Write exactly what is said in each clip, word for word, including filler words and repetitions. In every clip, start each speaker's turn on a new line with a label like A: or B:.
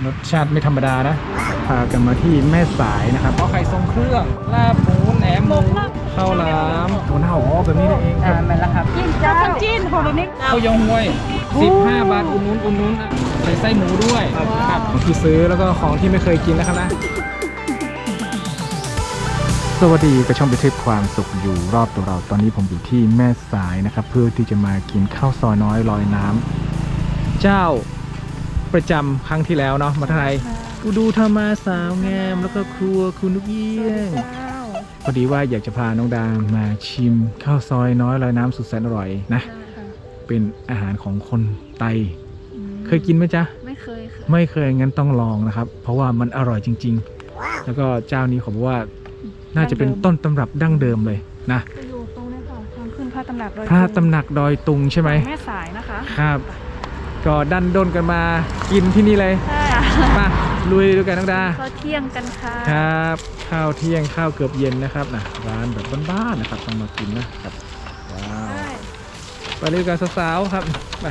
A: รสชาติไม่ธรรมดานะพากันมาที่แม่สายนะครับเอาไข่ทรงเครื่องลาบหมูแหนมหมูข้าวหลามหมูเน่าอ๋อแบบนี้นี่เองครับนั่นแหละครับ
B: จิ้นจ้าจิ้นของเรานี่
A: ข้าวยองห้วยสิบห้าบาทอุ่นนุ้นอุ่นนุ้นใส่ไส้หมูด้วยครับที่ซื้อแล้วก็ของที่ไม่เคยกินนะครับนะสวัสดีกระช่องไปเทพความสุขอยู่รอบตัวเราตอนนี้ผมอยู่ที่แม่สายนะครับเพื่อที่จะมากินข้าวซอยน้อยลอยน้ำเจ้าประจำครั้งที่แล้วเนาะมาไทยกูดูธรรมาสาวงามแล้วก็ครัวคุณนุกเอี้ยงพอดีว่าอยากจะพาน้องดามมาชิมข้าวซอยน้อยลอยน้ำสุดแสนอร่อยนะเป็นอาหารของคนไตเคยกินไหมจ๊ะ
B: ไม่เคยค่ะ
A: ไม่เคยงั้นต้องลองนะครับเพราะว่ามันอร่อยจริงๆแล้วก็เจ้านี้เขาบอกว่าน่าจะเป็นต้นตำรับดั้งเดิมเลยนะ
B: อยู่ตรงนี้ค่ะทางขึ้นพระตำหนักดอย
A: พระตำหนักดอยตุงใช่ไหม
B: แม่สายนะคะ
A: ครับก็ดันด้นกันมากินที่นี่เลย
B: ใช่
A: มาลุยด้วยกันน้องดา
B: ข้าวเที่ยงกันค่ะ
A: ครับข้าวเที่ยงข้าวเกือบเย็นนะครับนะร้านแบบบ้านๆนะครับต้องมากินนะครับว้าวไปเลยกันสาวๆครับมา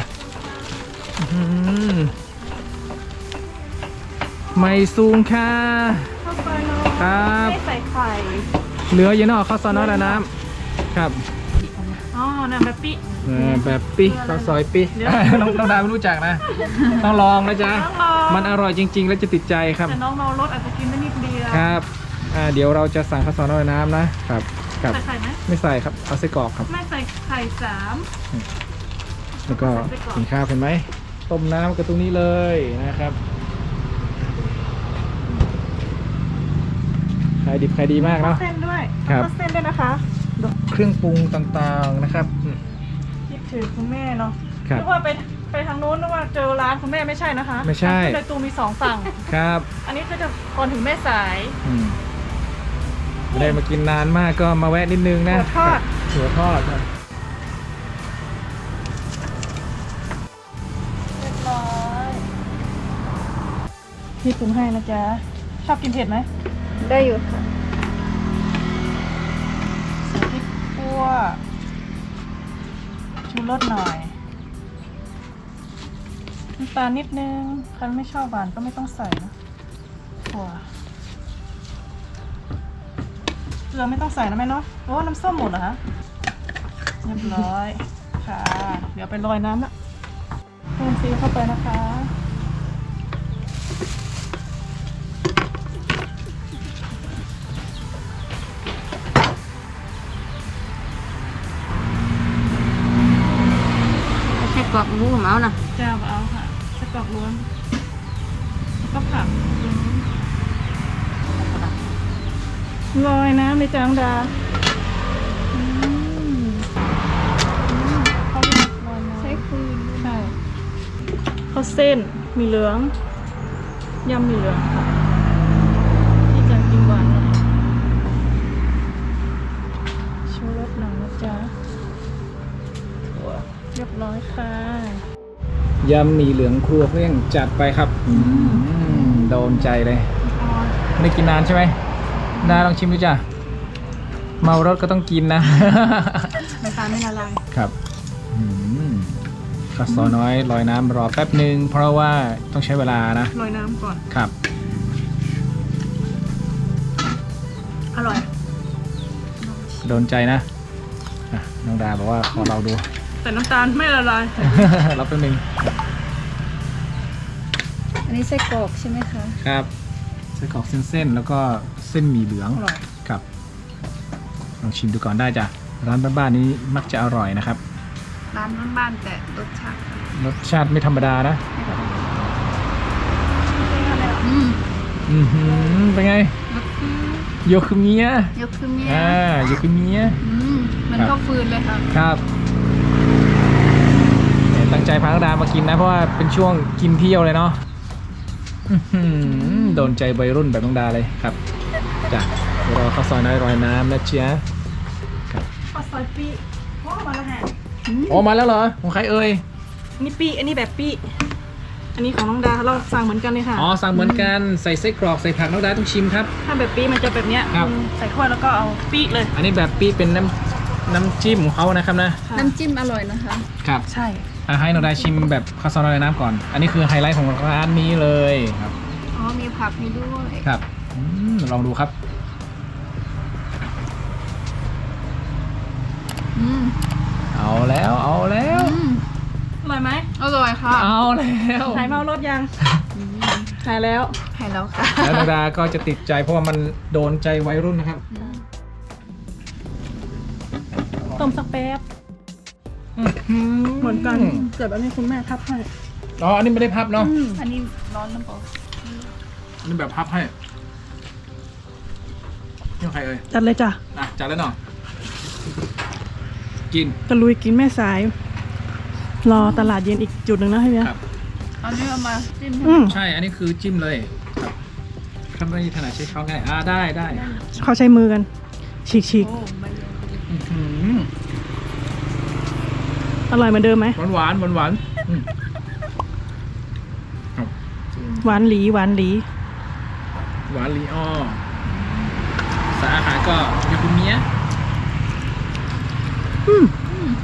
A: ไม่สูงค่ะ
B: ข้าวซอยน้อย
A: ครับ
B: ไม่ใส่ไข่
A: เหลือเยอะเนาะข้าวซอยน้อยละน้ำครับ
B: อ๋อน้ำแบบปี
A: แบบปีข้าวซอยปีน้องน้องดาไม่รู้จักนะต้องลองนะจ๊ะมันอร่อยจริงๆและจะติดใจครับ
B: แต่น้องเรารสอาจจะกินได้นิดเดียว
A: ครับเดี๋ยวเราจะสั่งข้าวซอยน้อยน้ำนะครับครับ
B: ใส่ไข่ไหม
A: ไม่ใส่ครับเอาไส้กรอกครับ
B: ไม่ใส่ไข่สาม
A: แล้วก็กินข้าวเห็นไหมต้มน้ำกันตรงนี้เลยนะครับขายดิบขายดีมากเนาะ
B: เส้นด้วย
A: ครับ
B: เส้นด้วยนะคะ
A: เครื่องปรุงต่างๆนะครับ
B: คิดถึงคุณแม่เนาะ
A: ครับ
B: นึกว่าไปไปทางโน้นนึกว่าเจอร้านคุณแม่ไม่ใช่นะคะ
A: ไม่ใช่
B: ในตูมีสองฝั่ง
A: ครับ
B: อันนี้ก็จะก่อนถึงแม่สาย
A: ไม่ได้มากินนานมากก็มาแวะนิดนึงนะ
B: หัวทอด
A: หัวทอดครับ
B: เรียบร้อยพี่ปรุงให้นะจ๊ะชอบกินเผ็ดไหมได้อยู่ค่ะใส่พริกขั่วชูรสหน่อยน้ำตาลนิดนึงใครไม่ชอบหวานก็ไม่ต้องใส่นะขั่วเกลือไม่ต้องใส่นะแม่เนาะโอ้น้ำส้มหมดเหรอคะเรียบร้อยค่ะเดี๋ยวไปลอยน้ำละเพิ่มซีเข้าไปนะคะ
C: ไส้กรอกหมูเอานะ
B: จ้าเอาค่ะไส้กรอกล้วนแล้วก็ผักลอยน้ำในจางดาเขาเรียกลอยน้ำใช้คืนใช่ข้าวเส้นมีเหลืองยำมีเหลืองค่ะที่จะกินหวานหน่อยชูรสหน่อยนะจ๊ะเรียบร้อยค่ะ
A: ยำหมี่เหลืองครัวเพื่อนจัดไปครับโดนใจเลยไม่ได้กินนานใช่ไหมดาลองชิมดูจ้ะเมารถก็ต้องกินนะ
B: ไม่ตาไม่ละลาย
A: ครับข้าวซอยน้อยลอยน้ำรอแป๊บหนึ่งเพราะว่าต้องใช้เวลานะ
B: ลอยน้ำก่อน
A: ครับ
B: อร่อย
A: โดนใจนะน้องดาบอกว่าขอเราดู
B: แต่น้ำตาลไม่ละลาย
A: รับแป๊บนึง
C: อันนี้ไส้กรอกใช่ไหมคะ
A: ครับไส้กรอกเส้นๆแล้วก็เส้นหมี่เหลืองครับลองชิมดูก่อนได้จ้ะร้านบ้านๆนี้มักจะอร่อยนะครับ
C: ร้านบ้านๆแต่รสชาติ
A: รสชาติไม่ธรรมดานะ
C: อืม
A: อือหือเป็นไงโยคุเมีย
C: โยคุเมีย
A: อ่าโยคุเมีย
C: อืมมันก็ฟืนเลยค่ะ
A: ครับตั้งใจพาน้องดามากินนะเพราะว่าเป็นช่วงกินเที่ยวเลยเนาะโดนใจวัยรุ่นแบบน้องดาเลยครับจ้ะเดี๋ยวเราข้าวซอยน้อยลอยน้ำนะเชีย
B: ครับข้าวซอยปีโอ้มาแล้วฮะ
A: โอ้มาแล้วเหรอของใครเอ่ย
B: นี่ปีอันนี้แบบปีอันนี้ของน้องดาเราสั่งเหมือนกันเลยค่ะ
A: อ๋อสั่งเหมือนกันใส่ไส้กรอกใส่ผักน้องดาต้องชิมครับ
B: ถ้าแบบปีมันจะแบบเนี้ยใส่ถ้วยแล้วก็เอาปีเลย
A: อันนี้แบบปีเป็นน้ำน้ำจิ้มของเขานะครับนะ
C: น้ำจิ้มอร่อยนะคะ
A: ครับ
B: ใช่
A: ให้น้องดาชิมแบบข้าวซอยน้อยน้ำก่อนอันนี้คือไฮไลท์ของร้านนี้เลยครับ
C: ผักให้ด้วย
A: ครับอืมลองดูครับ
C: อืม
A: เอาแล้วเอาแล้ว
C: อืม
B: อร่อยไหม
C: อร่อยค่ะ
A: เอาแล้ว
B: หายเมารถยังหายแล้ว
C: หายแล้วค่ะ
A: แล้วนาดาก็จะติดใจเพราะว่ามันโดนใจวัยรุ่นนะครับ
B: ต้มสักแป๊บเหมือนกันเกิดอันนี้คุณแม่ทับให้
A: อ๋ออันนี้ไม่ได้พับเนาะ
B: อืม
C: อันนี้ร้อนน้ำเปล่า
A: อันนี้แบบพับให้นี่ใครเอ่ย
B: จัดเลยจ้ะ
A: อ่ะจัดแล้วเนาะกิน
B: ตะลุยกินแม่สาย รอตลาดเย็นอีกจุดหนึ่งนะพี่เบียร์
A: ครับ
C: อันนี้เอามาจิ้ม
B: อืม
A: ใช่อันนี้คือจิ้มเลยครับถ้าไม่ถนัดใช้ช้อนง่ายอ่าได้ได้
B: เขาใช้มือกัน ฉีกฉีก
C: โอ้ไม่เยอะ
A: อื้อหือ
B: อร่อยเหมือนเดิมไหม
A: หวานหวานหวานหวานอืมครับ
B: หวานหลีหวานหลี
A: หวานลีออสายอาหารก็ยาคุเมีย
B: อืม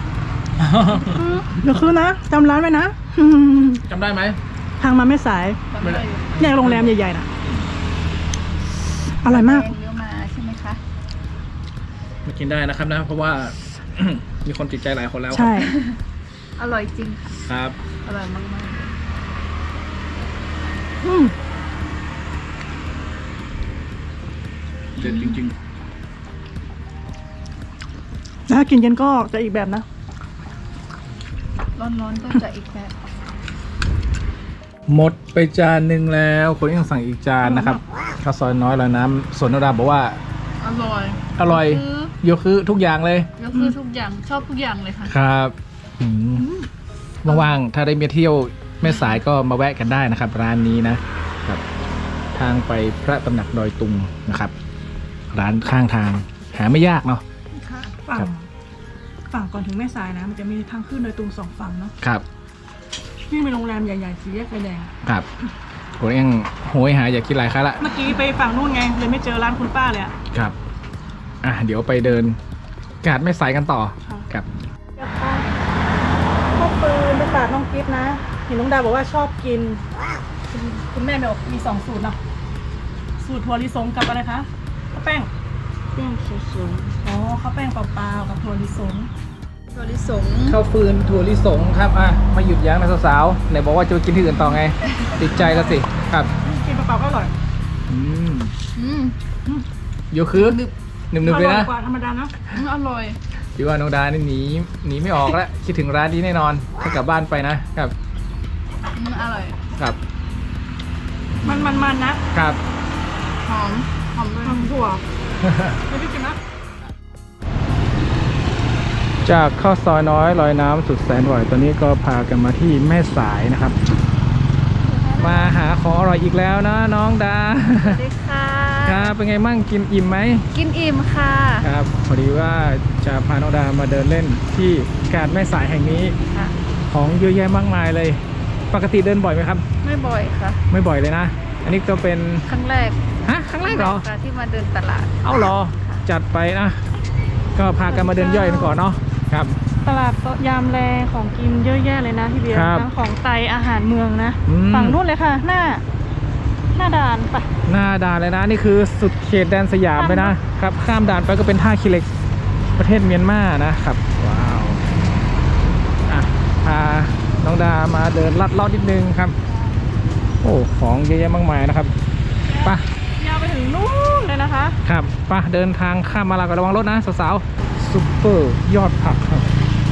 B: เดี๋ยวคืนนะจำร้านไว้นะ
A: จำได้ไหม
B: ทางมาแม่สาย
C: ไม่ได้
B: แยกโรงแรมใหญ่ๆนะอร่อยมาก
C: แงเยอะมาใช่ไหมคะ
A: มากินได้นะครับนะ เพราะว่า มีคนติดใจหลายคนแล้ว
B: ใช่
C: อร่อยจริงค่ะ
A: ครับ
C: อร่อยมาก
B: อืม
A: เด็ดจริง
B: ถ้ากินเย็นก็จะอีกแบบนะ
C: ๆร้อนๆก็จะอีกแบบ
A: หมดไปจานหนึ่งแล้ว คนยังสั่งอีกจานนะครับข้าวซอยน้อยแล้วน้ำสวนนดาบอกว่า
C: อร่อย
A: อร่อย
C: คือ
A: โยคือทุกอย่างเลย
C: ก็คือทุกอย่างชอบทุกอย่างเลยค่ะ
A: ครับอืมว่างๆถ้าได้มาเที่ยวแม่สายก็มาแวะกันได้นะครับ ร้านนี้นะครับ ทางไปพระตำหนักดอยตุงนะครับ ร้านข้างทางหาไม่ยากเนาะ
B: ฝั่
A: ครั
B: ง
A: บ
B: ฝั่งก่อนถึงแม่สายนะ มันจะมีทางขึ้นโดยตรงสองฝั่งเนาะ
A: ครับ
B: นี่มีโรงแรมใหญ่ๆสีแยกไฟแดง
A: ครับผมยังโหยหาอยากกินหลายครั้งละ
B: เมื่อกี้ไปฝั่งนู่นไงเลยไม่เจอร้านคุณป้าเลยอะ
A: ครับ อ่ะเดี๋ยวไปเดินกาดแม่สายกันต่อ
B: ค่ะ
A: ครับ
B: พ่อปืนไปฝากน้องกิฟต์นะ เห็นน้องดาบอกว่าชอบกิน คุณคุณแม่บอกมีสองสูตรเนาะ สูตรถั่วลิสงกับอะไรคะข้าวแป้ง
C: แป้งสูง
B: อ๋อข้าวแป้งเปล่าๆกับถั่วลิสง
C: ๆถั่วลิสง
A: ข้าวฟืนถั่วลิสงครับอ่ะมาหยุดยั้งนะสาวๆไหนบอกว่าจะไปกินที่อื่นต่อไง ติดใจแล้วสิครับ
B: กินเปล่าๆก็อร่อย
A: อืม
C: อืม
A: โยคือ
C: นึบ
A: หนึบๆเลย
B: อร่
A: นะ
B: อยกว่าธรรมดานะ
C: อืมอร่อย
A: พี่ว่าน้องดานี่หนีหนีไม่ออกแล้ว คิดถึงร้านนี้แน่นอนถ้ากลับบ้านไปนะครับ
C: อืมอร่อย
A: ครับ
B: มันมันมันๆนะ
A: ครับ
C: หอม หอมด้วย
B: ทำถั่วไม่ได้กินนะ
A: จากข้าวซอยน้อยลอยน้ำสุดแสนอร่อยตอนนี้ก็พากันมาที่แม่สายนะครับ มาหาของอร่อยอีกแล้วนะน้องดา
C: สวัสดีค่ะ
A: ครับเป็นไงมั่งกินอิ่มไหม
C: กินอิ่มค่ะ
A: ครับพอดีว่าจะพาน้องดามาเดินเล่นที่กาดแม่สายแห่งนี้
C: ค่ะ
A: ของเยอะแยะมากมายเลย ปกติเดินบ่อยไหมครับ
C: ไม่บ่อยค่ะ
A: ไม่บ่อยเลยนะ อันนี้ก็เป็น
C: ครั้งแรก
A: ฮะครั้งแรกเหรอ
C: ค่ะที่มาเดินตลาด
A: เอ้าเหรอจัดไปนะก็พากันมาเดินย่อยกันก่อนเนาะครับ
B: ตลาดยามแลของกินเยอะแยะเลยนะพี่เบียร์
A: ครับ
B: ทั้งของไตอาหารเมืองนะ
A: อืม
B: ฝั่งนู้นเลยค่ะ หน้า หน้าด่านไป
A: หน้าด่านเลยนะนี่คือสุดเขตแดนสยามเลยนะครับข้ามด่านไปก็เป็นท่าขี้เหล็กประเทศเมียนมานะครับว้าวอ่ะพาน้องดามาเดินลัดเลาะนิดนึงครับโอ้ของเยอะแยะมากมายนะครับไปะ
B: ยาวไปถึงนู่นเลยนะคะ
A: ครับไปะเดินทางข้ามมาลาวก็ระวังรถนะสาวๆซุปเปอร์ยอดผักครับ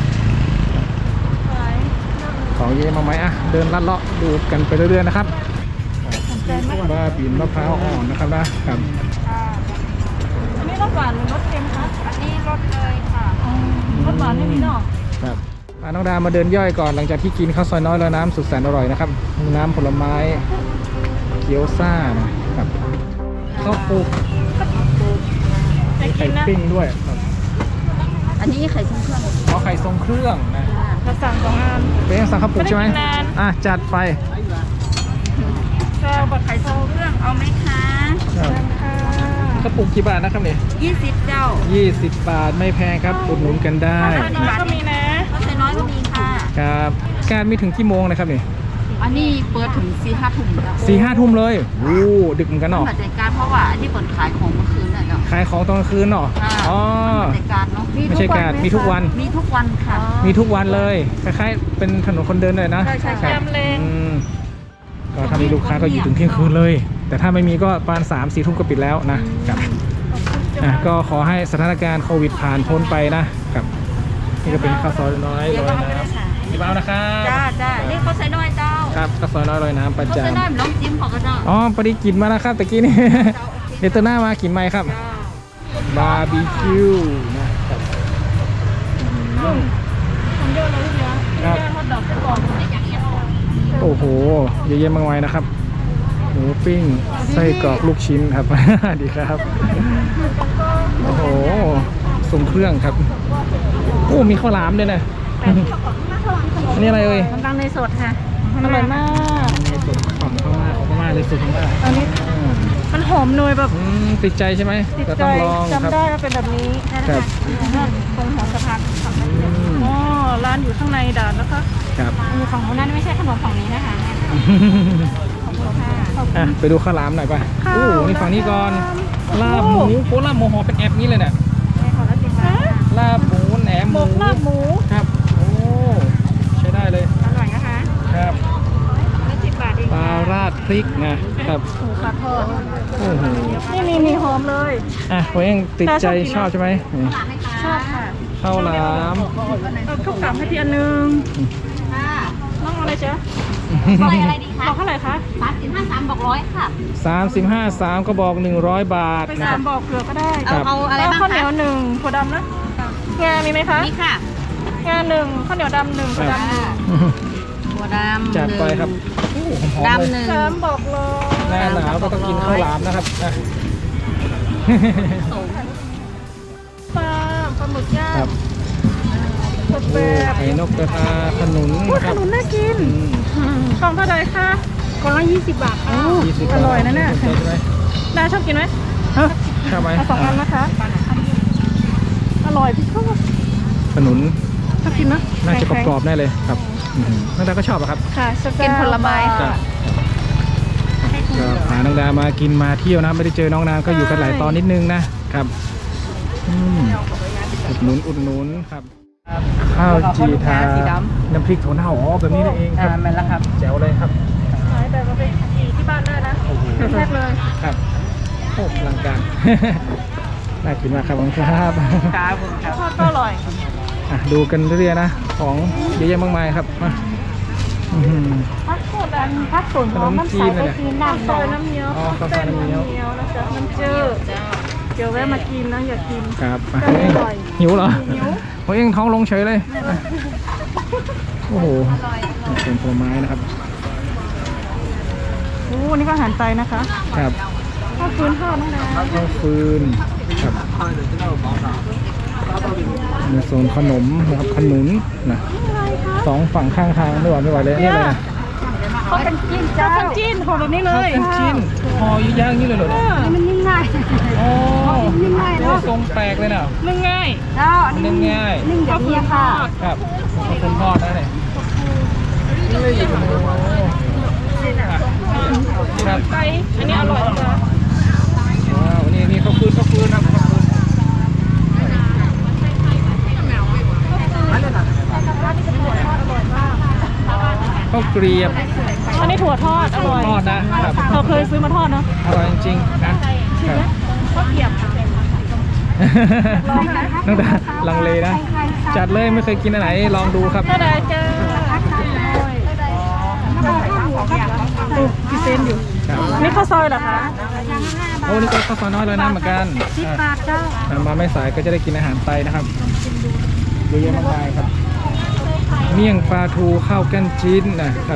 A: ของเยอะแยะมากมายอ่ะเดินลัดเลาะดูกันไปเรื่อยๆนะครับบ้าปีนมะพร้าวอ่อนนะครับนะครับ
B: อันนี้รสหวานหรือรสเค็มคะ
C: อันนี้รสเลยค่ะ
B: อ๋อรสหวานไม่มีเนาะ
A: ครับพาน้องดามาเดินย่อยก่อนหลังจากที่กินข้าวซอยน้อยแล้วน้ำสุดแสนอร่อยนะครับน้ำผลไม้เกี๊ยวซ่านะครับข้าวปลูก
B: จะ
A: มี
B: กิ
A: ไข่
B: นนะ
A: ปิ้งด้วยครับ
C: อันนี้ไข่ชิ้นเครื่อง
A: เอาไข่ทรงเครื่องนะ
B: เราสั่งสองอัน
A: เป็นยังสั่งข้าวปลูกใช่ไหม
B: ไม่ได้กินนาน
A: อ่ะจัดไป
B: ชอบแบบไข่ทอง
C: เครื่องเอาไหมคะ
A: ครับ
B: ค่ะ
A: ข้าวปลูกกี่บาทนะครับเนี่ย
C: ยี่สิบเจ้า
A: ยี่สิบบาทไม่แพงครับอุดหนุนกันได้
B: อันนี้ก็มีนะ
C: รสน้อยก็มีค่ะ
A: ครับการมีถึงกี่โมงนะครับเนี่ย
C: ถอันนี้เปิดถึงสี่ห้าทุ่มแล้ว
A: สี่ห้าทุ่มเลยโอ้ดึกเหมือนกันเนาะ
C: เหมือนรายการเพราะว่าอันนี้เปิดขายของเมื่อคืนน่ะเนาะ
A: ขายของตอนกลางคืนเนาะ
C: อ่า
A: อ๋อ
C: เหมือนรายการเนาะ
A: ไม่ใช่การมีทุกวัน
C: มีทุกวันค่ะ
A: มีทุกวันเลยคล้ายๆเป็นถนนคนเดินเลยนะ
C: ใช่ใช่ใช่
A: ครับอืมก็ถ้ามีลูกค้าก็อยู่ถึงเที่ยงคืนเลย แต่ถ้าไม่มีก็ประมาณสามสี่ทุ่มก็ปิดแล้วนะครับอ่ะก็ขอให้สถานการณ์โควิดผ่านพ้นไปนะครับนี่ก็เป็นข้าวซอยน้อยลอยน้ำพี่เบ้านะครับ
C: จ้าจ้านี่เขาใส่น้อยเจ้า
A: ครับข้าวซอยน้อยลอยน้ำประ
C: เขา
A: จ
C: ใส่น้อยเหมือนน้องจิ้มของกระเจ้า
A: ำอ๋อพอดีกินมาแล้วครับตะกี้นี่ เดี๋ยวเตอร์หน้ามากินไหมครับบาร์บีคิวนะครับอืม
B: ทำเยอะเลยลูกเนี้ย
A: ครับ
B: แค่ทอดดอกไปก่อน
A: โอ้โหเยอะแยะมากมายนะครับหมูปิ้งไส้กรอกลูกชิ้นครับ ดีครับ โอ้โหส่งเครื่องครับโอ้มีข้าวหลามด้วยนะอันนี้อะไรเอ่ย
C: น้ำตาลในสดค่ะ
B: อร่อยมาก
A: ในส่วนของข้าวมาของข้าวมาเลยสุดของข้าว
B: อันนี้มันหอมนยแบบ
A: อืมติดใจใช่ไหม
B: ติด
A: แต่
B: ใจ
A: ต้องลองครับ
B: จำได้ว่าเป็นแบบนี้
A: ครับ
B: ตรงหัวสะพาน
A: อืม
B: อ๋อร้านอยู่ข้างในด่านนะคะ
A: ครับ
C: มีของคนนั้นไม่ใช่ขนมของนี้นะคะของโลค่า
A: อ่ะไปดูข้าวหลามหน่อยป่ะ
B: ข้าว
A: โอ้นี่ฝั่งนี้ก่อน
B: หลาม
A: ลาบหมูโอ้ลาบหมูหอมเป็นแอปนี้เลยเนี่ย
C: ในของละสิบบาท
A: ลาบหมูแหนม
B: ห
A: ห
B: ม
A: มู
B: กลาบหมู
A: ครับโอ้ใช้ได้เลย
C: อร่อยนะคะ
A: ครับ
C: ละสิบบาทเอง
A: ปลาราดพริกนะครับ
B: หมูปลาทอด
A: โอ้โห
B: นี่มีมีหอมเลย
A: อ่ะผมเองติดใจ
B: แต่ช
A: ช
B: อ
A: อ
B: บบ กิน
A: ใช่ไหมนี่
B: ชอบค่ะ
A: ข้าวหลาม
B: เอาข้าวกล่ำให้พี่อันหนึง
C: ค่ะ
B: น้องเอาอะไรจ๊ะ
C: บอกอะไรดีคะ
B: บอกเท่าไหร่คะ
C: สามสิบห้าสามบอกร้อยค่ะ
A: สามสิบห้าสามก็บอกหนึ่งร้อยบาท
B: ไป
A: นะ
B: สา
A: ครั
B: ม
A: บ
B: บอกเกลือก็ได้
A: ครับ
C: เอาอะไร
B: แล้ว
C: บ้าง
B: ข้าวเหนี
C: คะ
B: ยวหนึ่งถั่วดำนะงามีไหมคะ
C: นี่ค่ะ
B: งาหนึ่งข้าวเหนียวดำหนึ่งถั่วดำหนึ่ง
C: ถั่วดำ
A: จัดไปครับโอ้หอมๆ
C: ดำห
A: เลย
C: นึ่ง
B: สามบอกเลย
A: หน้าหนาวก็ต้องกินข้าวหลามนะครับอ่ะ
B: ปลาปลาหมึกย่าง
A: ครับ
B: สด
A: โอ้
B: แบบ
A: ไข่นกกระทาขนุน
B: อุ้ย
A: นะค
B: ข
A: รับ
B: นุนน่ากิน
A: อืม
B: ของเท่าไหร่คะกล่องละยี่สิบบาทค่ะ
A: ยี่สิบ
B: อร่อยนะเนี่ย
A: สใจใช่ไหม
B: ดาชอบกินไหม
A: ฮะชอบไหม
B: เอาสองอันนะคะ อร่อยพี่ชอบ
A: ขนุน
B: ชอบกินนะ
A: น่าจะก
B: แข็งๆ
A: รอบๆแน่เลยครับอืมน้องดาก็ชอบอะครับ
B: ค่ะสแ
C: กินผลไม้
A: ครั
B: ค่ะ
A: บก็พาน้องดามากินมาเที่ยวนะไม่ได้เจอน้องนานก็อยู่กันหลายตอนนิดนึงนะครับอืมอุดหนุนอุดหนุนครับข้าวจีทาน้ำพริกถั่วเน่าอ๋อแบบนี้นี่เองครับ
C: อ่ามันแล้วครับ
A: แจ๋วเลยครับ
B: ขายแบบว่าเป็นอีที่บ้านได้นะแรกเลย
A: ครับโอ้อลังการ น่ากินมากครับขอบคุณครับ
C: ครับผมครับ
B: ทอดก็อร่อย
A: อ่ะดูกันเรื่อยๆนะ ของเยอะแยะมากมายครับมาอื้อหือ
B: พักส่วนอันพักส่วนของน้ำใสไปกินน้ำซอยน้ำเงี้ยว
A: อ๋อข้าวซอยน้ำเงี้ยว
B: นะจ๊ะน้ำจืดเดี๋ยวแวะมากินนะอย่ากิน
A: ครับอ่ะ
B: ก็อร่อย
A: หิวเหรอ
B: หิว
A: ผมเองท้องลงเฉยเลยอ่ะโอ้โหเป็นผลไม้นะครับ
B: โอ้นี่ก็อาหารไทยนะคะ
A: ครับ
B: ข้าวฟืนทอดน้องดา
A: ข้าวฟืนครับในโซนขนมนะครับขนุนนะสองฝั่งข้างทางไม่ไหวไม่ไหวเลยอันนี่อะไรนะ
B: เขาเป็นจิ้นเจ้าเป็นจิ้นห่อแบบนี้เลย
A: เป็นชิ้นห่อย่างอย่างนี้เลยเหรอ
B: เออ
C: มันยิ่งง่าย
A: โอ้
C: ยิ่งง่าย
A: โห
C: เนาะ
A: ทรงแปลกเลยนะ
B: นึ่งง่าย
C: เจ้า
A: นึ่งง่าย
C: นึ่งอย่างนี้ค่ะ
A: ครับข้าวฟืนทอดนะเนี่ยครับ
B: ไก่อันนี้อร่อยจ้ะ
A: ว้าวนี่นี่ข้าวฟืนข้าวฟืนครับข้าวฟืนข้าวเกรียบ
B: อันนี้ถั่วทอดอร่อย
A: ทอดนะครับ
B: เราเคยซื้อมาทอดเนาะ
A: อร่อยจริงๆนะครับ
B: ข้าวเกรียบ
A: ตั้งแต่ลังเลนะ จัดเลยไม่เคยกินอันไหนลองดูครับ
B: ก็ได้จ้าดูพิเศษอยู่
A: ครับ
B: นี่ข้าวซอยเหรอคะ
A: โอ้นี่ก็ข้าวซอยน้อยเลยนะเหมือนกัน
B: สิบบาทเจ้า
A: อ่ะมาไม่สายก็จะได้กินอาหารไทยนะครับเยอะแยะมากมายครับ เมี่ยงปลาทูข้าวกั้นจิ้นนะครับ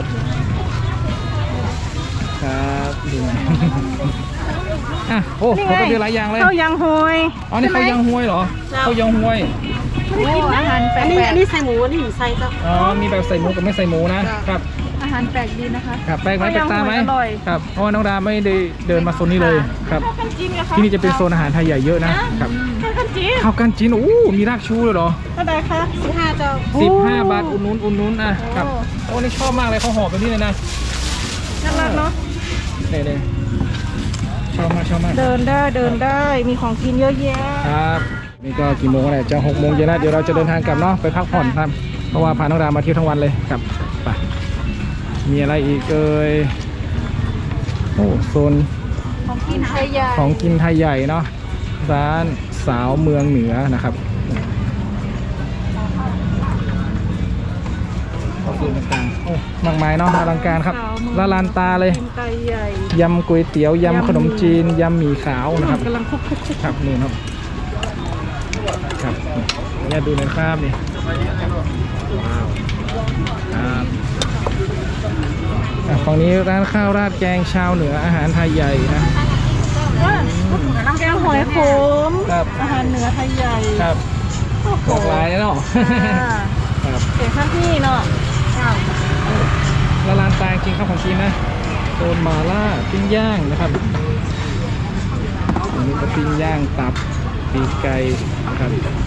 A: ครับดูหน่อย อ่ะโอ้โหก็เยอะหลายอย่างเลย
B: ข้าวยังหอย
A: อ๋อนี่ข้าวยังห้วยเหรอข้าวยังห้วย
B: ไม่ได้กินนะอาหารแปลกๆอันนี้ใส่หมูอันนี้ใส่เจ้า
A: อ๋อมีแบบใส่หมูกับไม่ใส่หมูนะครับ
B: อาห
C: ารแปลกดีนะคะ
A: ครับแปลกไหมแปลกตาไหม
B: อร่อย
A: ครับเพราะว่าน้องดาไม่ได้เดินมาโซนนี้เลยครับ
B: ข้าวกันจีนนะคะ
A: ที่นี่จะเป็นโซนอาหารไทยใหญ่เยอะนะครับ
B: ข้าวกันจีน
A: ข้าวกันจีนโอ้มีรากชูเลยเหรอ
B: เท่าไหร่คะสิบห้าเจ้า
A: สิบห้าบาทอุ่นนุ้นอุ่นนุ้นอ่ะครับโอ้นี่ชอบมากเลยเขาห่อแบบนี้เลยนะ
B: น่ารักเนาะ
A: เนี่ยเนี่ยชอบมากชอบมาก
B: เดินได้เดินได้มีของกินเยอะแยะ
A: ครับนี่ก็กี่โมงแล้วจะหกโมงเย็นแล้วเดี๋ยวเราจะเดินทางกลับเนาะไปพักผ่อนครับเพราะว่าพาน้องดามาเที่ยวทั้งวันเลยครับไปมีอะไรอีกเอ่ยโอ้โซน
C: ของกินไทยใหญ่
A: ของกินไทยใหญ่เนาะร้านสาวเมืองเหนือนะครับของกินต่างๆโอ้มากมายเนาะอลังการครับละลานตาเลย
B: กินไก่ใหญ่
A: ยำก๋วยเตี๋ยวยำขนมจีนยำหมี่ขาวนะครับ
B: กำลังคุกคุกคุก
A: ครับนี่ครับครับเนี่ยดูในภาพนี่ว้าวครับอ่ะฝั่งนี้ร้านข้าวราดแกงชาวเหนืออาหารไทยใหญ่นะ
B: แกงหอยขม
A: ครับ
B: อาหารเหนือไทยใหญ่
A: ครับหลากหลายเนาะ
B: อ่า
A: ครับ
B: เก๋ข้างที่เนาะ
A: ละลานตาจริงครับของจีนนะโซนมาล่าปิ้งย่างนะครับอันนี้ก็ปิ้งย่างตับปีกไก่นะครับ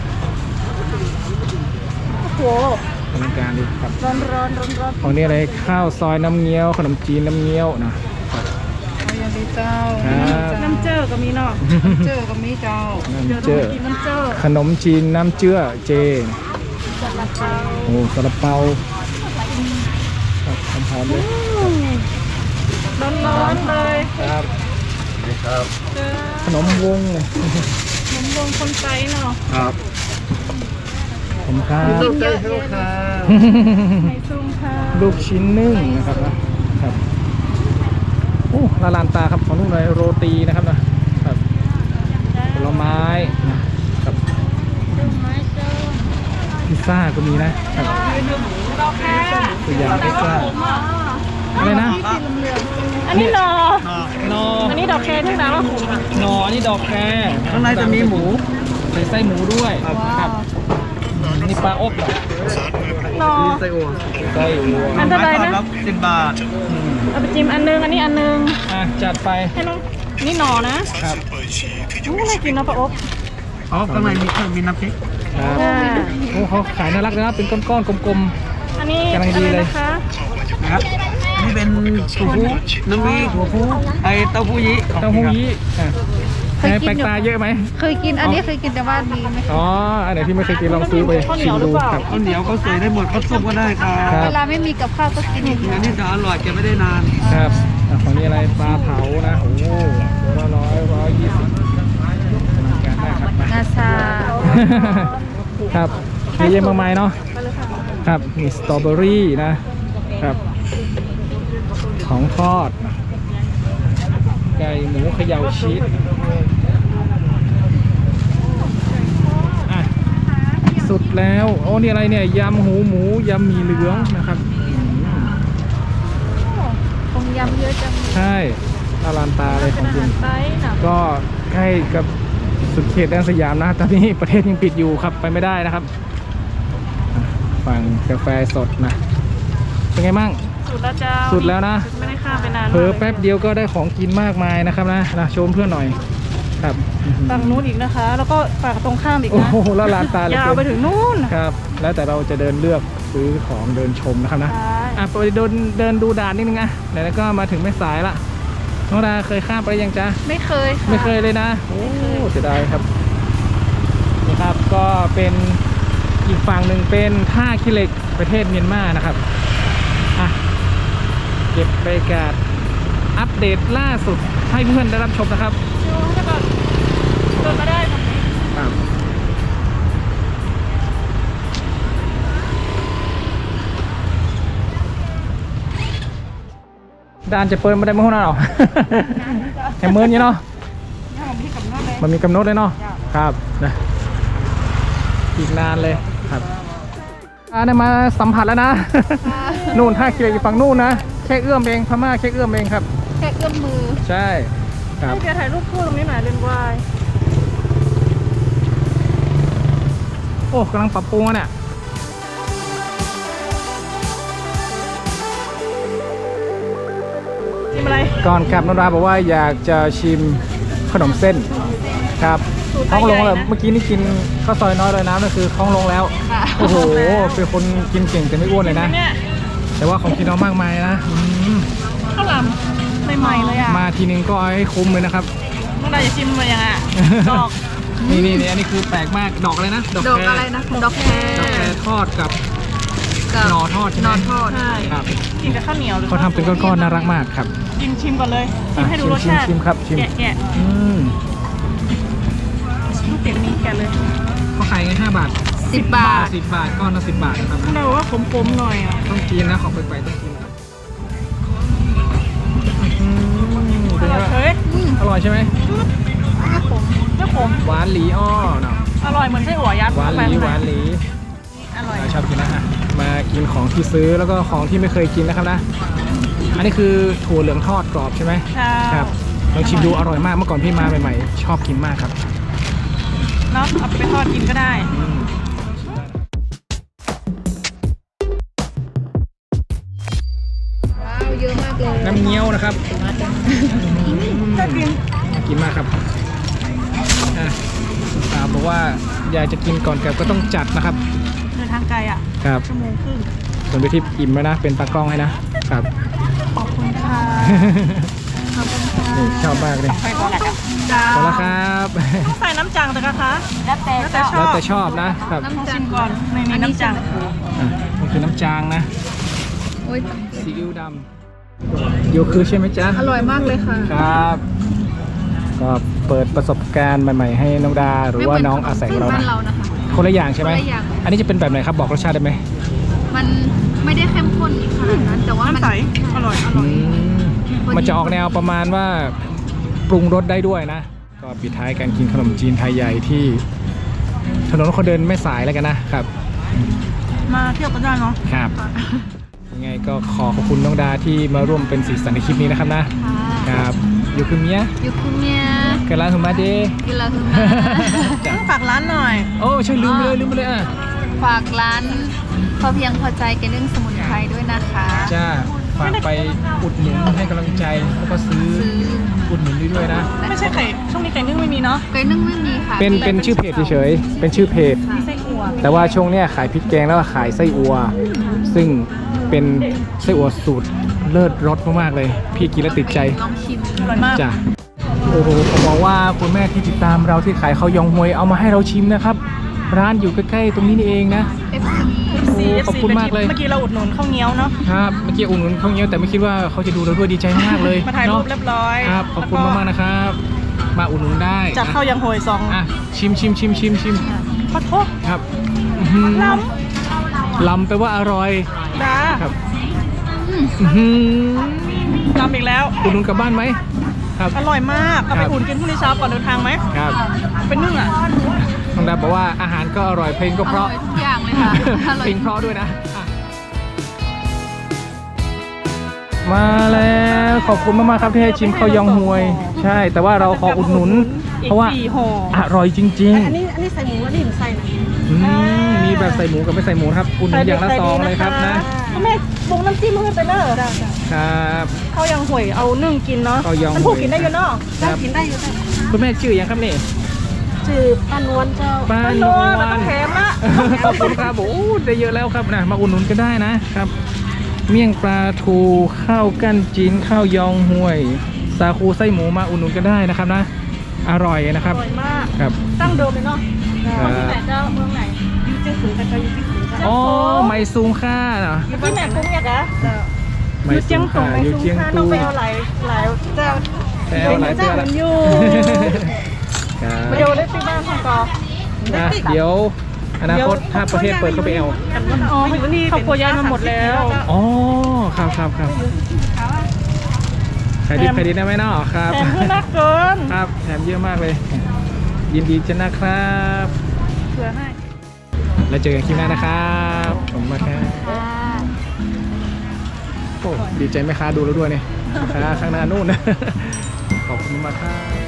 B: โอ้โห
A: อลังการดีครับ
B: ร้อนร้อนร้อนร้อน
A: ของนี้อะไรข้าวซอยน้ำเงี้ยวขนมจีนน้ำเงี้ยวนะ
C: เอาอย่างดีเจ้า
A: ครับ
B: น้ำเจอก็มีเนาะ
C: เจอกับมีเจ้า
B: เดี๋ยว
A: น้ำเจือ
B: เรากินน้ำเจอ
A: ขนมจีนน้ำเจือเจ
B: จัดราคา
A: โอ้ซาลาเปาครับหอมๆเลย
B: ร้อนร้อนๆเลย
A: ครับ
B: เจอ
A: ขนมวง
B: ขนมวงคนไทยเนาะ
A: ครับผมครับ
C: เยอะๆเลย
B: ในซุ้มค่ะ
A: ลูกชิ้นนึ่งนะครับนะครับโอ้ละลานตาครับของลูกเลยโรตีนะครับนะครับผลไม้นะครับ
B: ดอกไม้เจอ
A: พิซซ่าก็มีนะครับ
B: ดอกแค่
A: ตัวอย่างพิซซ่าอะไรนะ
B: อันนี้หนอ
A: นอ
B: อันนี้ดอกแคร์ที่ร้านเราขุมอ่ะ
A: นออันนี้ดอกแคร
D: ข้างในจะมีหมู
A: ใส่ไส้หมูด้วยครับนี่ปลาอบเหรอ
B: หนอ
D: ไส้อั่ว
A: ไส้วัว
B: อันเท่าไหร่นะ
D: ครับสิบบาท
A: อืม
B: เอาไปจิ้มอันนึง อันนี้อันนึง
A: อ่ะจัดไป
B: ให้น้องนี่หนอนะครับ อู้น่ากินเนาะปลาอบ
D: อ๋อ ข้างในมีเครื่องมีน้ำพริก
A: ครับ
B: อ่า
A: โอ้เขาขายน่ารักเลยนะเป็นก้อนๆกลม
B: อันนี้
A: กำลังดี
B: อะไร
A: เลย
B: นะคะ
D: นะครับ นี่เป็นตูฟูน้ำมีหัวฟูไอเต้าหู้ยี้
A: ๆเต้าหู้ยี้อ่ะแปลกตาเยอะไหม
C: เคยกินอันนี้เคยกินแต่ว่าดีไหม
A: อ๋ออันไหนที่ไม่เคยกินลองซื้อไปชิมดูครับ
D: ข้าวเหนียวก็ใส่ได้หมดข้าวซุปก็ได้ครับ
A: ครับ
C: เวลาไม่มีกับข้าวก็กินอย่างนี้
D: อันนี้จะอร่อยเก็บไม่ได้นาน
A: ครับอ่ะของนี้อะไรปลาเผานะโอ้โหตัวละร้อยร้อยยี่สิบการได้ครับ
C: งาชา
A: ครับเยอะแยะมากมายเนาะครับมีสตรอเบอรี่นะครับ ของทอด ไก่หมูเขย่าชีสอ่ะสุดแล้วโอ้นี่อะไรเนี่ยยำหูหมูยำหมี่เหลืองนะครับอืม
C: คงยำเยอะจัง
A: ใช่อลานตาเลยของจริง
B: ไซส์นะ
A: ก็ใกล้กับสุดเขตแดนสยามนะตอนนี้ประเทศยังปิดอยู่ครับไปไม่ได้นะครับอ่ะฝั่งกาแฟสดนะเป็นไงมั่ง
B: สุดแล้วเจ้า
A: สุดแล้วนะ
B: ไม่ได้ข้ามไปนาน
A: เผลอแป๊บเดียวก็ได้ของกินมากมายนะครับนะนะชมเพื่อนหน่อยครับ
B: ฝั่งนู้นอีกนะคะ แล้วก็ฝั่งตรงข้ามอีก
A: โอ้
B: นะ
A: โหละลานตาเหลย
B: ยาวไปถึงนู่น
A: ครับ แล้วแต่เราจะเดินเลือกซื้อของเดินชมนะครับนะ
B: ใช่
A: อ่ะไปเดินเดินดูด่านนิดนึงอ่ะไหนๆก็มาถึงแม่สายละน้องดาเคยข้ามไปยังจ๊ะ
C: ไม่เคยค่ะ
A: ไม่เคยเลยนะโอ้เสียดายครับนี่ครับก็เป็นอีกฝั่งหนึ่งเป็นท่าขี้เหล็กประเทศเมียนมานะครับอ่ะเก็บบรรยากาศอัปเดตล่าสุดให้เพื่อนได้รับชมนะครับ
B: ดูให้ก่อนเดินมาได้ตรงนี้
A: ครับด่านจะเปิดมาได้เมื่อไหร่หรอ แค่เมินอยู่เนาะมันมีกำหนดเลยเนาะครับนะอีกนานเลยครับอ่าได้มาสัมผัสแล้วนะ นู่นท่าขี้เหล็กอยู่ฝั่งนู่นนะแค่เอื้อมเองพม่าแค่เอื้อมเองครับ
C: แค่เอื้อมมือ
A: ใช่ครับ
B: ให้แกถ่ายรูปคู่ตรงนี้หน่อยเลนส์วาย
A: โอ้กำลังปรับปรุงอ่ะเนี่ย
B: ชิมอะไร
A: ก่อนกลับน้องดาบอกว่าอยากจะชิมขนมเส้นครับท้องลงแล้วเมื่อกี้นี่กินข้าวซอยน้อยเลยน้ำนั่นคือท้องลงแล้วโอ้โหเป็นคนกินเก่งแต่ไม่อ้วนเลยนะ
B: เนี่ย
A: แต่ว่าของกินเรามากมายนะอืม
B: ข้าวหลามใหม่ๆเลยอ่ะ
A: มาทีนึงก็เอาให้คุ้มเลยนะครับ
B: น้องดาจะชิมมายังไงดอก
A: นี่นี่นี่อันนี้คือแปลกมากดอกอะไรนะ
C: ดอกอะไรนะดอกแค
A: ดอกแครทอดกับหนอทอดใช่ไหม
C: นอนทอด
B: ใช่
A: ครับ
B: กินกับข้าวเหนียวหรือ
A: เขาทำเป็นก้อนๆน่ารักมากครับ
B: กินชิมก่อนเลยชิมให้ดูรส
A: ชิม
B: ชาติ
A: ชิมครับชิม
B: แกะแกะ
A: อืม
B: ลูกเป็ดนี้แกะเลย
A: เขาขายไงห้าบาท
C: สิบบาท
A: สิบบาทก้อนละสิบบาทนะครับ
B: น้องดาบอกว่าขมๆหน่อยอ่ะ
A: ต้องกินนะของไปๆต้องกินครับอืมเป็นไงบ้าง
B: เฮ้ย
A: อร่อยใช่ไหม
B: ไม่ขมไม่ขม
A: หวานหลีอ้อเนาะ
B: อร่อยเหมือนไส้อั่วยัด
A: หวานหลีหวานหลี
B: อร่อย
A: ชอบกินนะฮะมากินของที่ซื้อแล้วก็ของที่ไม่เคยกินนะครับนะ อันนี้คือถั่วเหลืองทอดกรอบใช่ไหม
B: ใช่
A: ครับลองชิมดูอร่อยมากเมื่อก่อนพี่มาใหม่ๆ ชอบกินมากครับ
B: เนาะเอาไปทอดกินก็ได้
C: ว้าวเยอะมากเลย
A: น้ำเงี้ยวนะครับ
B: น่ากิน
A: น่ากินมากครับอ่ะตามบอกว่าอยากจะกินก่อนกลับก็ต้องจัดนะครับ
B: เดินทางไกลอ่ะ
A: ครับ
B: ชั่วโมงครึ่ง
A: ส่วนไปที่อิ่มแล้วนะเป็นตากล้องให้นะครับ
B: ขอบคุณค่ะขอบคุณค่ะ
A: นี่ชอบมากเลย
B: ไปก่อนแหละจ้า
A: ขอบคุณครับ
B: ต้องใส่น้ำจังแต่คะ
C: แล้วแต่
B: แล้วแต่ช
A: แล้
B: อ
A: ว
B: บ
A: แต่ชอบนะครับ
B: ลองชิมก่อนในนี้น้ำจัง
A: อ่ะมันคือน้ำจางนะ
C: โอ้ย
A: ซีอิ๊วดำโยคือใช่ไหมจ๊ะ
C: อร่อยมากเลยค่ะ
A: ครับ ก็เปิดประสบการณ์ใหม่ๆ ให้น้องดาหรือว่าน้องอาศัยของเรา
C: บ้า
A: นะ
C: นเรานะคะ
A: คนละอย่างใช่ไหม
C: คนละอย่าง
A: อันนี้จะเป็นแบบไหนครับบอกรสชาติได้ไหม
C: มันไม่ได้เข้มข้นขนาดนั้น แต่ว่ามัน
B: น้ำใสอร่อยอร่
A: อื
B: อย
A: มมันจะออกแนวประมาณว่าปรุงรสได้ด้วยนะ ก็ปิดท้ายการกินขนมจีนไทยใหญ่ที่ถนนคนเดินไม่สายแล้วกันนะครับ
B: มาเที่ยวกันได้เนาะ
A: ครับยังไงก็ขอขอบคุณน้องดาที่มาร่วมเป็นสีสันในคลิปนี้นะครับนะ
C: ค่ะ
A: ครับอยู่คือเมีย
C: ยูคุเมีย
A: กันร้านถุงมาเด
C: กินแล้วคุณ
A: จ้ะ
B: ต้องฝากร้านหน่อย
A: โอ้ใช่ลืมไปเลยลืมไปเลยอ่ะ
C: ฝากร้านพอเพียงพอใจแกนึ่งสมุนไพรด้วยนะคะ
A: จ้าฝากไปอุดหนุนให้กำลังใจแล้วก็ซื้อ
C: ซื้อ
A: อุดหนุนด้วยด้วยนะ
B: ไม่ใช่ไข่ช่วงนี้ไก่นึ่งไม่มีเนาะ
C: แกนึ่งไม่มีค่ะ
A: เป็นเป็นชื่อเพจเฉยๆเป็นชื่อเพจ
B: มีไส้อั่ว
A: แต่ว่าช่วงเนี้ยขายพริกแกงแล้วก็ขายไส้อัว ซึ่งเป็นไส้อัวสูตรเลิศรสมากๆเลย พี่กินแล้วติดใจ
C: ลองชิม
B: อร่อยมาก
A: จ้ะโอ้โหผมบอกว่าคุณแม่ที่ติดตามเราที่ขายข้าวยองฮวยเอามาให้เราชิมนะครับ ร้านอยู่ใกล้ๆตรงนี้นี่เองนะ
C: เอฟซี
B: ซี
A: ขอบคุณมากเลย
B: เมื่อกี้เราอุดหนุนข้าวเงี้ยวเนาะ
A: ครับเมื่อกี้อุ่นนุนข้าวเหนียวแต่ไม่คิดว่าเขาจะดูเราด้วยดีใจมากเลย
B: มาถ่ายรูป
A: เนาะ
B: เรียบร้อย
A: ครับขอบคุณมากๆนะครับ มาอุ่นนุนได้
B: จัดข้าวยังโหยซอง
A: อ่ะชิมชิมชิมชิมชิม
B: ขอโทษ
A: ครับอื้อหือ
B: ล้
A: ลำแปลว่าอร่อย
B: ำดา
A: ครับอื้อหือ
B: ล้ำอีกแล้ว
A: อุ่นนุนกลับบ้านไหมครับ
B: อร่อยมาก เอาไป
A: ครับ
B: อุ่นกินพรุ่งนี้เช้าก่อนเดินทางไหม
A: ครับ
B: เป็นนึ่งอ่ะ
A: น้องดาบอกว่าอาหารก็อร่อยเพลงก็
C: อ
A: เพ
C: ร่อ
A: ราะ
C: ยทุกอย่างเลยค่ะอร่อย
A: เพลงเพราะด้วยนะอ่ะมาแล้วขอบคุณมากๆครับที่ให้ชิมข้าวยองฮวย ใช่ แต่ว่าเราขออุดหนุน เพราะว่า
B: อีกสี่ห่อ
A: อร่อยจริง
B: อันนี้อันนี้ใส่หมูอันนี้หนูใส่
A: ๆอืมมีแบบใส่หมูกับไม่ใส่หมูครับอุดหนุนอย่างละซองเลยครับนะ
B: คุณแม่ปรุงน้ำจิ้มให้ไปเนอะ
A: ครับ
B: ข้าวยังห่วยเอานึ่งกินเนาะ
A: ข้าวยอง
B: มันผูกกินได้อยู่เนาะ
A: ครับ
B: กินได้อยู่
A: คุณแม่ชื่อยังครับนี่
B: จืดปลานวลเจ้า
A: ปลา
B: ปลาน
A: น
B: ว
A: ว
B: ล
A: ล
B: มันต้องแถมละ
A: ขอบคุณครับโอ้ได้เยอะแล้วครับนะมาอุดหนุนกันได้นะครับ เมี่ยงปลาทูข้าวกั้นจีนข้าวยองห่วย สาคูไส้หมูมาอุดหนุนกันได้นะครับนะ อร่อยนะค
B: อ
A: รับ
B: ร่อยมาก
A: ครับ
B: ตั้งเดิมเลยเนาะ
A: ครับ
B: ที่ไหนเจ้าเมืองไหนยูเจียงสูงใครจะยูเจียงสูงเจ้า
A: อ๋อไมซูงค่าเนาะ
B: อยู่ที่ไหนกุ้งเนี่ยกะ
A: ไม
B: ยู
A: ซู
B: เจียง
A: ง
B: สู
A: ค่าง
B: ไม
A: อยู่
B: ซูง
A: เจียง
B: ค่า
A: ตู
B: ต้องไปเอาหลายหลายเจ้า
A: แปลหลายเตือ
B: เจ้า
A: แล้
B: มั
A: วน
B: อยู่
A: ครับ
B: เดี๋ยวได้ซื้อบ้านของกอ
A: อ่ะเดี๋ยวอนาคตถ้าประเทศเปิดก็ไปเอา
B: อ๋อครอบครัวย้ายมาหมดแล้ว
A: อ๋อครับครับครับขายดีขายดีได้ไหมเนาะครับ
B: แถมเพื่อนนักเกิน
A: ครับแถมเยอะมากเลย ยินดีจะนะครับ
B: เผื่อให้
A: แล้วเจอกันคลิปหน้านะครับผมมาครับ
C: ค่ะ
A: โอ้ดีใจไหมค้าดูแล้วด้วยเนี่ยค้าข้างหน้านู่น ขอบคุณมากครับ